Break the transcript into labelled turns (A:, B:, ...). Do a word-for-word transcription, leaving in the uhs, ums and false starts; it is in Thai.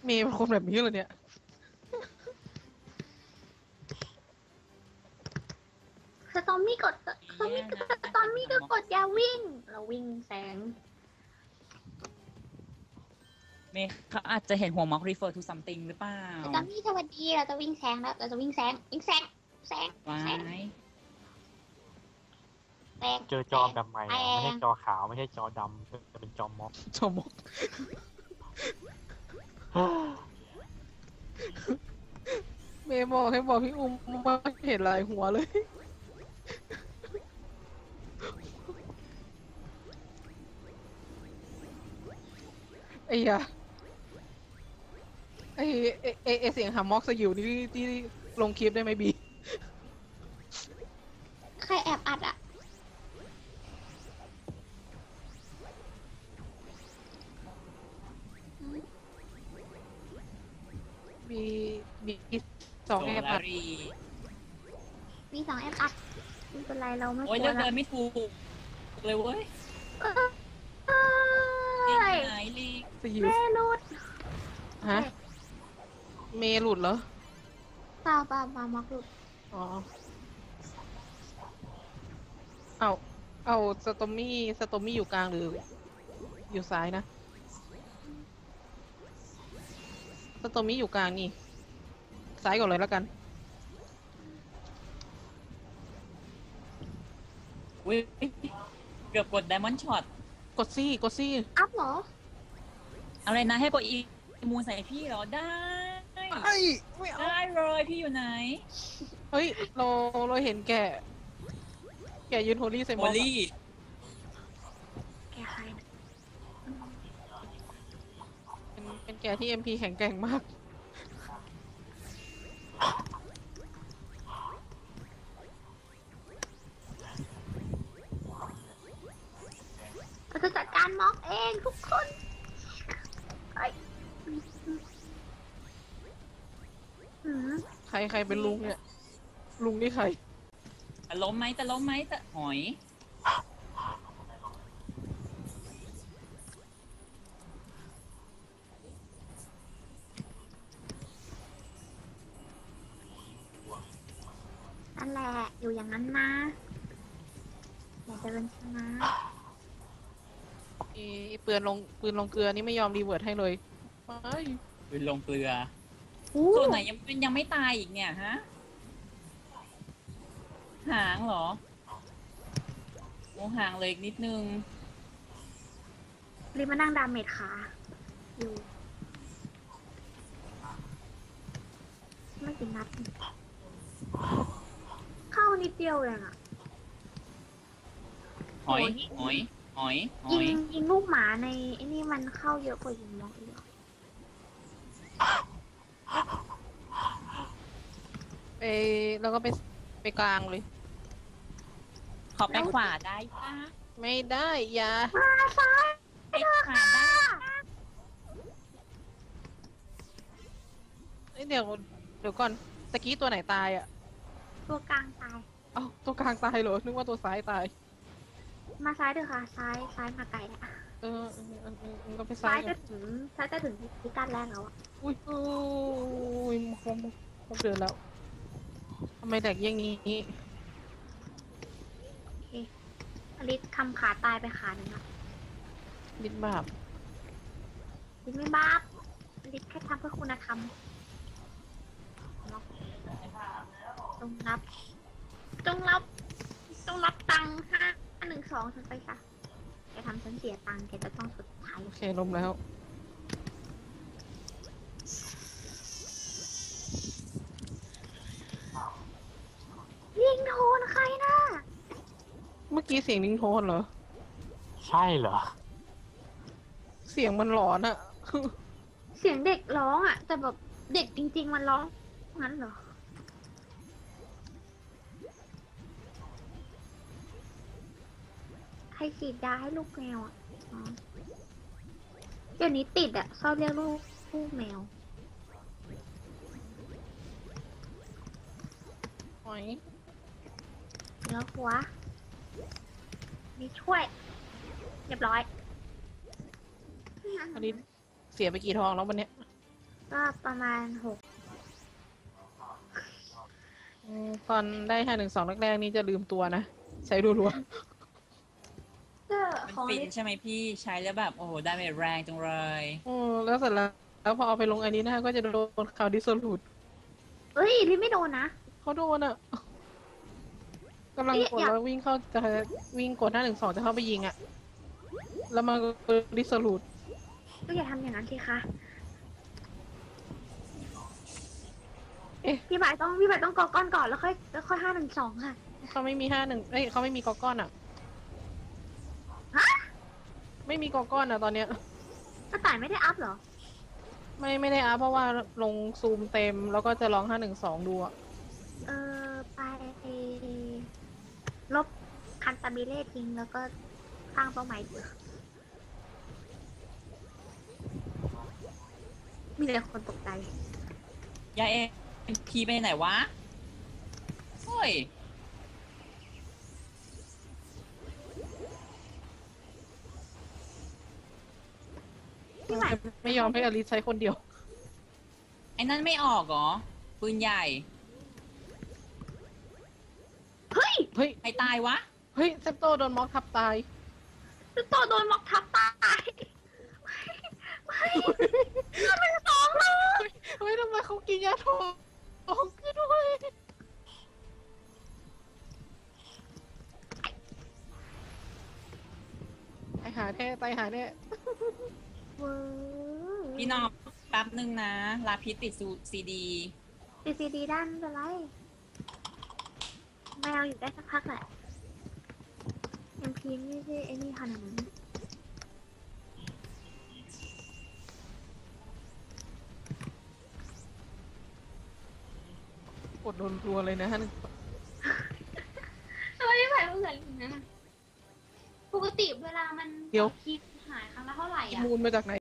A: เมย์เป็นคนแบบนี้เลยเนี่ย
B: สตอมมี่กดสตอมมี่สตอมมี่ก็กดยาวิ่งเราวิ่งแสง
C: เมย์เขาอาจจะเห็นหัวม็อก refer to something หรือเปล่า
B: สตอมมี่สวัสดีเราจะวิ่งแสงแล้วเราจะวิ่งแสงวิ่งแสงแสง
C: ว้า
B: แสง
C: ย
B: แสง
D: เจอจอแบบใหม่อะไม่ใช่จอขาวไม่ใช่จอดำจะเป็นจอม็อก
A: ชมกเมย์บอกให้บอกพี่อุ้มมาเห็นลายหัวเลยไอ้ยะไอ้ไอ้ไอ้ไอ้เสียงหามอกสยิวนี่ที่ลงคลิปได้ไหมบี
B: ใครแอบอัดอ่ะ
A: มีมีสองแอบอัด
B: มีสองแอบอัดไม่เป็นไรเราไม่ก
C: โอ้ย
B: ลั
C: เลื
B: ว
C: อก
B: ละ
C: เดินไม่ถูกเลยเว้ย
B: เอ้ย
C: ไหนลีก
A: สยิว
B: แม่รุด
A: ฮะเมย์หลุดเหรอ
B: เปล่าเปล่าเปล่ามักรุด
A: อ๋อเอาเอาสตอมมี่สตอมมี่อยู่กลางหรืออยู่ซ้ายนะสตอมมี่อยู่กลางนี่ซ้ายก่อนเลยแล้วกัน
C: อุ้ยเกือบกด diamond shot
A: กดซี่กดซี่
B: อัพเหรอ
C: อะไรนะให้กดอีมูใส่พี่เหรอได้
A: ไอ้ไม่เอา
C: ได้เลยพี่อยู่ไหน
A: เฮ้ยเราเราเห็นแกแกยืนโฮลี่ใส่หม
C: โม
A: วก
C: ลี่
B: แกใครนะ
A: เป็นเป็นแกที่เอ็มพีแข็งแกร่งมาก
B: เราจะจัดการม็อกเองทุกคนไอ้หืม
A: ใครใครเป็นลุงเนี่ย ลุงนี่ใคร
C: จะล้มไหมจะล้มไหมจะหอย
B: นั่นแหละอยู่อย่างนั้นนะอย่าเดินชนะ
A: ไอ้ปืนลงปืนลงเกลือนี่ไม่ยอมรีเวิร์ดให้เลยไป
C: ปืนลงเกลือ
B: อู้
C: ตัวไหนยังยังไม่ตายอีกเนี่ยฮะหางเหรอโอ้หางเลยอีกนิดนึง
B: รีบมานั่งดาเมจขาอยู่ไม่กี่นัดเข้านิดเดียวเองอะ
C: หอยหอยหอยห
B: ยิ
C: อย
B: งยิงลูกหมาในไอ้นี่มันเข้าเยอะกว่ายิงม็อกอีกเหรอ
A: ไปแล้วก็ไปไปกลางเลย
C: ขอไปขวาได้ปะ
A: ไม่ได้อย่า
B: มาซ้าย
C: ไปขวาได้
A: เอ้ยเดี๋ยวเดี๋ยวก่อนตะกี้ตัวไหนตายอ่ะ
B: ตัวกลางตาย
A: เอ้าตัวกลางตายเหรอนึกว่าตัวซ้ายตาย
B: มาซ้ายเถอะค่ะ ซ้ายซ้ายมาไกลแล้ว
A: เออเออเออเออเออก็ไปซ้า
B: ซ้าย ย
A: กั
B: จะ
A: น
B: ถึงซ้ายจะถึงพิกัดแรกแล้วอะ
A: อุ้ยอุ้ยครบครบเดือนแล้วทำไมแดกอย่างนี้
B: โอเคอลิสคำขาตายไปขาหนึ่งอะ
A: นิดบาป
B: ลิสไม่บาปอลิสแค่ทำเพื่อคุณธรรมจงรับจงรับจงรับตังค์ห้าหนึ่งสองฉันไปซะแกทำฉันเสียตังค์แกจะต้องสุดท้าย
A: โอเคล้มแล้ว
B: ยิงโทนใครนะ
A: เมื่อกี้เสียงลิงโทนเหรอ
D: ใช่เหรอ
A: เสียงมันหลอนอะ
B: เสียงเด็กร้องอะแต่แบบเด็กจริง ๆ มันร้องงั้นเหรอใครฉีดยาให้ลูกแมวอะอ๋อเดี๋ยวนี้ติดอะชอบเรียกลูกลูกแมว
A: หอย
B: เนื้อหัวนี่ช่วย เรียบร้อย
A: อันนี้เสียไปกี่ทองแล้ววันเนี้ย
B: ก็ประมาณหก
A: อืมตอนได้ห้าหนึ่งสองแรกๆนี่จะลืมตัวนะ ใช้รัว
B: ก็
C: มัน
B: ของ
C: ฟิน
B: เล่น
C: ใช่ไหมพี่ใช้แล้วแบบโอ้โหดาเมจแรงจังเลย
A: ๆอืมแล้วเสร็จแล้วแล้วพอเอาไปลงอันนี้นะก็จะโดนข่าวดิสโซลูด
B: เอ้ยลิไม่โดนนะ
A: เขาโดนอ่ะกำลังกด
B: อยาก
A: แล้ววิ่งเข้าจะวิ่งกดห้าหนึ่งสองจะเข้าไปยิงอ่ะ แล้วมันก็ดิสโซลูด
B: ก็อย่าทำอย่างนั้นสิคะ
A: เอ๊ะ
B: พี่บายต้องพี่บายต้องกอก้อนก่อนแล้วค่อยแล้วค่อยห้าหนึ่งสองค่ะ
A: เขาไม่มีห้าหนึ่งเอ้ยเขาไม่มีกอก้อนอ่ะ
B: ฮะ
A: ไม่มีกอก้อนอ่ะตอนเนี้ย
B: กระต่ายไม่ได้อัพเหรอ
A: ไม่ไม่ได้อัพเพราะว่าลงซูมเต็มแล้วก็จะลองห้าหนึ่งสองดูอ่ะ
B: เออไปลบคันตาบิเล่ทิ้งแล้วก็สร้างเป้าหมายเดียวมีแต่คนตกใจ
C: ยายเอ็มพีไปไหนวะเฮ้ย
B: พี่หมาย
A: ไม่ยอมให้อลิซใช้คนเดียว
C: ไอ้นั่นไม่ออกเหรอปืนใหญ่
B: เฮ้ย
A: เฮ้ย
C: ใครตายวะ
A: เฮ้ยเซปโตโดนม็อกทับตาย
B: ตัวโตโดนม็อกทับตายเฮ้ยเราเป็นสองเลย
A: เฮ้ยทำไมเขากินยาทองออกขึ้นด้วยตายหาแน่ตายหาแน่
B: เว้ย
C: พี่น้องแป๊บนึงนะ ลาพิษติดซีดี
B: ดีซีดีด้านไม่เป็นไรแมวอยู่ได้สักพักแหละเอ็มพีไม่ใช่ไอ้นี่ขนาดนั้น
A: กดโดนรัวเลยนะฮะ
B: ทำไมไม่ไหวเหมือนนะปกติเวลามัน
A: เดี๋ยว
B: คิดหายครั้งละเท่าไหร่
A: อี
B: อ่ะ
A: มูลมาจากไหน